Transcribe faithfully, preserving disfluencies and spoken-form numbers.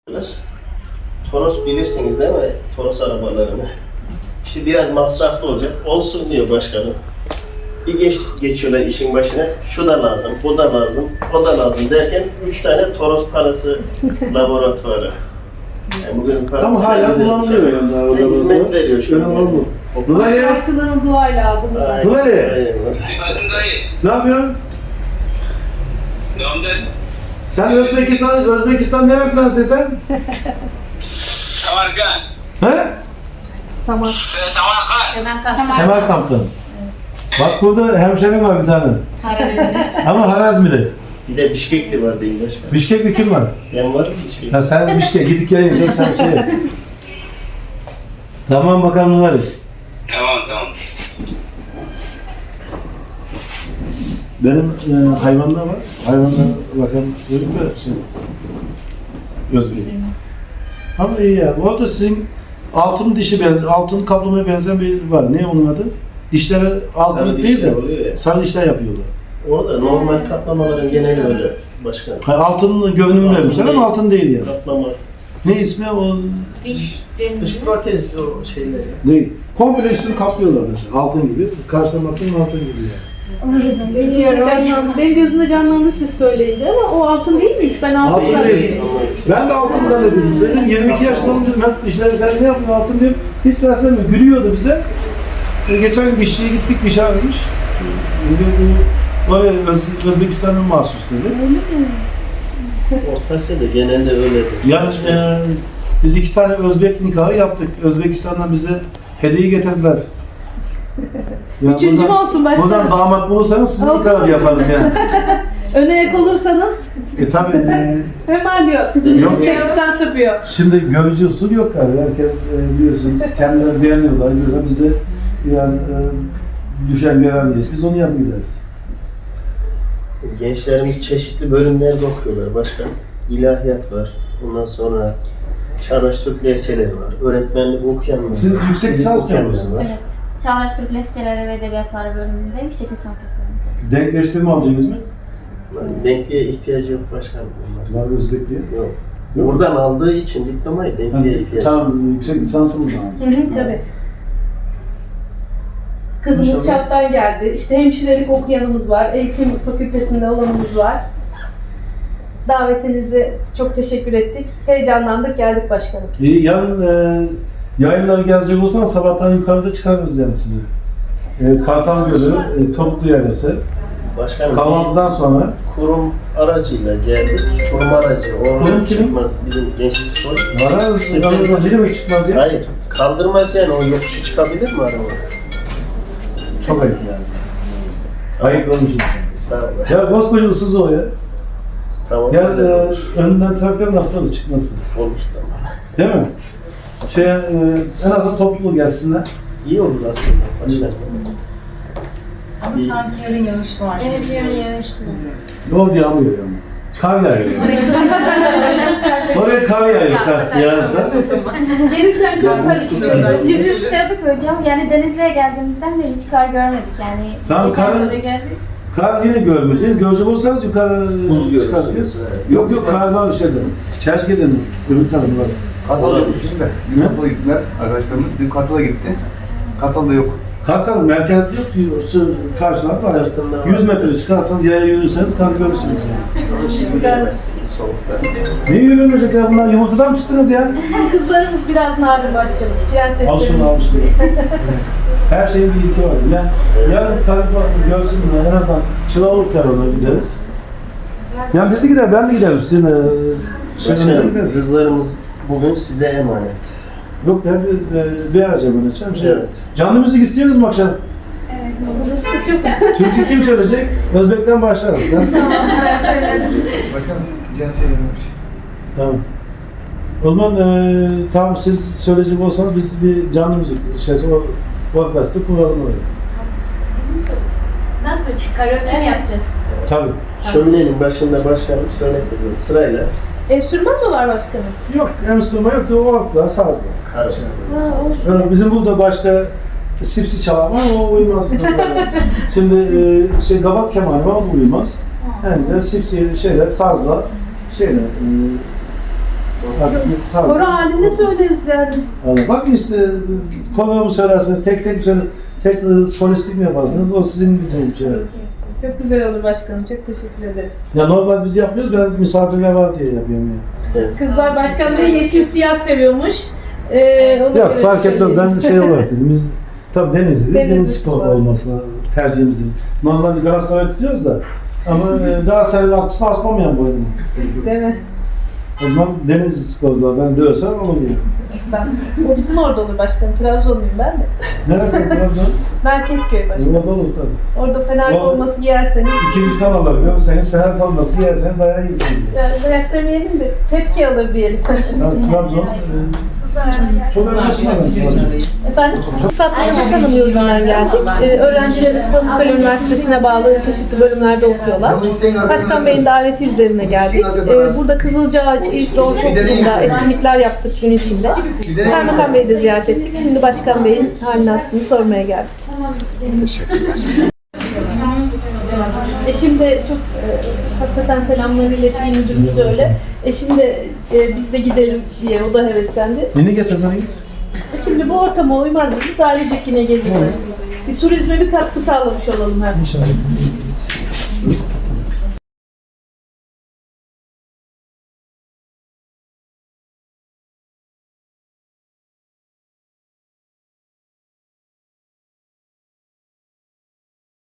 Toros bilirsiniz değil mi? Toros arabalarını. İşte biraz masraflı olacak. Olsun diyor başkanım. Bir geç, geçiyorlar işin başına. Şu da lazım, bu da lazım, o da lazım derken üç tane Toros parası laboratuvarı. Yani bugün parası ama hala kullanılıyor yani. Ve hizmet veriyor şu an. Nurali, Karşılığını duayla aldım. Nurali, ne yapıyorsun? Sen Özbekistan, Özbekistan neresindensin sen? Samarkand. He? Samar. Samarkand. Semerkant'tan. Bak burada hemşerim var bir tane. Ama Harazmili. Bir de Bişkekli var değil başkanım. Bişkekli kim var? Ben varım Bişkekli. Ha sen Bişkek, gidip geleyim yok sen şey. Tamam bakalım Nurali. Tamam tamam. Benim e, hayvanlar var. Hayvanlar bakalım dedim mi? Şey, Özbek. Ama iyi yani. Bu arada sizin altın dişi benzer, altın kaplamaya benzeyen bir var. Ne onun adı? Dişleri altın Sarı değil dişler de oluyor ya. sarı dişler yapıyorlar. Orada normal kaplamaların geneli öyle başkanım. Ha, altın görünümlü Altın vermişler değil. ama altın değil yani. Kaplama. Ne ismi o? Diş Dış protez o şeyleri. Değil. Komple üstünü kaplıyorlar mesela. Altın gibi. Karşıdan baktığın altın gibi yani. oluruz Bilmiyorum. Canlandı. Benim gözümde canlandı siz söyleyince ama o altın değil miymiş? Ben altın Altın zannediyorum. değil. Ben de altın zannediyordum. Dedim yirmi iki yaşında olunca ben dişleri sen ne yapıyorsun altın diyeyim. Hiç seslenmiyor. Gülüyordu bize. E, geçen gün dişçiye gittik diş ağrımış. Bu o Öz, Özbekistan'ın mahsus dedi. Orta Asya'da genelde öyledir. Yani e, biz iki tane Özbek nikahı yaptık. Özbekistan'dan bize hediye getirdiler. Yani Üçüncü buradan, olsun başkanım. buradan damat bulursanız sizin Olsun. nikahı yaparız yani. Öne yak olursanız E tabi e, hemen diyor. Kızım Yok. bizim seksten sapıyor. şimdi görücü usul yok abi. Herkes e, biliyorsunuz kendileri beğeniyorlar. Diyorlar. Biz de yani e, düşen görevliyiz. Biz onu yapmayacağız. Gençlerimiz çeşitli bölümlerde okuyorlar başkanım. İlahiyat var. Ondan sonra Çağdaş Türk lehçeleri var. Öğretmenlik okuyanlar var. Siz yüksek fizik lisans okuyanlar yapıyorsunuz. var. Evet. Çağdaş Türk Lehçeleri ve Edebiyatları bölümünde yüksek lisans yapıyorum. Denkleştirme alacaksınız mı? Denkliğe ihtiyacı yok başkanım. bunlar. Var Özbek diye. Yok. Yok. Buradan aldığı için diplomayı denkliğe Yani, ihtiyacı yok. tamam yüksek lisansım buradan Hı hı, tabii. Kızımız İnşallah. çattan geldi. İşte hemşirelik okuyanımız var. Eğitim fakültesinde olanımız var. Davetinize çok teşekkür ettik. Heyecanlandık, geldik başkanım. İyi, yarın e, yayınları gezecek olsan sabahtan yukarıda çıkarırız yani sizi. E, Kartal Gölü, e, Toplu Yerlesi. Başkanım Kahvaltıdan sonra bir kurum aracıyla geldik. Kurum aracı. Kurum Oradan kimin? çıkmaz bizim gençlik spor. vararız. Bisiklet- Ne demek çıkmaz ya? Hayır. Kaldırmaz yani o yokuşu çıkabilir mi araba? Çok ayıp yani. Ayıplamışım. Estağfurullah. Ya koskoca ıssız o ya. Tamam. Ya öyle e, olur. önünden trafikten nasıl da çıkmasın. Olmuş tamam. Değil mi? Şey, e, en azından toplu gelsinler. İyi olur aslında başkanım. Ama sanki yarın yağış var. Evet, yarın yağışlı. Yol yağmıyor yani. Kar yağıyor. Oraya kar yağıyor. Kar yağarsa. Gelirken çok karıştırıyorlar. Biz istiyorduk hocam. Yani Denizli'ye geldiğimizden beri hiç kar görmedik yani. Tamam, Geçen karın- sene geldik. Kar yine görmeyeceğiz. Görecek olsanız yukarı Buz görürsünüz. çıkartıyoruz. Evet. Yok yok kar var şeyde. Çerçeğe'den öbür tarafı var. Kartal'a yokmuşuz da. Dün Kartal'a gittiler arkadaşlarımız. Dün Kartal'a gitti. Kartal'da yok. Kartal merkezde yok diyor. Karşılar var. Sırtında var. yüz metre çıkarsanız yaya yürürseniz kar görürsünüz yani. Ama şimdi göremezsiniz soğukta. Ne yürümeyecek ya bunlar? Yumurtadan mı çıktınız ya? Kızlarımız biraz narin başkanım. Prenseslerimiz. Alışın alışın. Her şeyin bir ilki var. Yani yarın kar görsün bunlar. En azından Çıralık Terörü'ne gideriz. Yani biz de gider, ben de giderim. Sizin e, şeyine Başkanım gideriz. kızlarımız bugün size emanet. Yok ben bir, e, bir araca bırakacağım. Şey, Evet. Canlı müzik istiyorsunuz mu akşam? Çok Türkü kim söyleyecek? Özbek'ten başlarız. Sen? Başkan Cihan şey dememiş. Tamam. O zaman e, tamam siz söyleyecek olsanız biz bir canlı müzik şeysi o podcast'ı kuralım öyle. Bizim söyleyeceğiz. Sizden söyleyecek. Karaoke mi yapacağız? Tabii. Şöminenin başında başkanım söylettiriyor sırayla. enstrüman mı var başkanım? Yok, enstrüman yok da o altlar sazla. Karışık. Ha, olsun. Yani bizim burada başka sipsi çalan var o uymaz. Şimdi e, şey kabak kemanı var o da uymaz. Yani sipsi şeyler sazla şeyler e, Artık biz sağ Koro halinde söyleriz yani. Allah. Bak işte koro mu söylersiniz, tek tek söyle, tek e, solistik mi yaparsınız? O sizin bildiğiniz şey. Çok güzel olur başkanım. Çok teşekkür ederiz. Ya normal biz yapıyoruz, ben misafirler var diye yapıyorum yani. Kızlar başkan bey yeşil siyah seviyormuş. Ee, ona Yok göre fark etmez, söyleyeyim. ben şey olarak dedim, biz tabii Denizli'yiz, Denizli Deniz spor spor. olması tercihimiz değil. Normalde Galatasaray tutuyoruz da ama e, Galatasaray'ın altısını asmamayan bu oyunu. Değil mi? O zaman Denizli sporcular ben dövsem olur diye. O bizim orada olur başkanım. Trabzonluyum ben de. Neresi Trabzon? Merkezköy başkanım. Orada olur tabii. Orada Fener O- forması giyerseniz, İkinci kanalları görürseniz Fener kalması yerseniz dayağı iyisiniz. yani dayak demeyelim de tepki alır diyelim. Yani Trabzon e, çok önemli şey Efendim, Fatma Yıldız Hanım yurdundan geldik. Ee, öğrencilerimiz Pamukkale Üniversitesi'ne bağlı çeşitli bölümlerde okuyorlar. Başkan Bey'in daveti üzerine geldik. Ee, burada Kızılcaağaç İlk Doğu Topluluğu'nda etkinlikler yaptık gün içinde. Kaymakam Bey'i de ziyaret ettik. Şimdi Başkan Bey'in halini hatırını sormaya geldik. Eşim de çok e, hasreten selamlarını ilettiği müdürümüz de öyle. Eşim de e, biz de gidelim diye o da heveslendi. Yeni getirmeliyiz. E Şimdi bu ortama uymaz mı? Biz ailecek yine geleceğiz. Bir turizme bir katkı sağlamış olalım hem. İnşallah.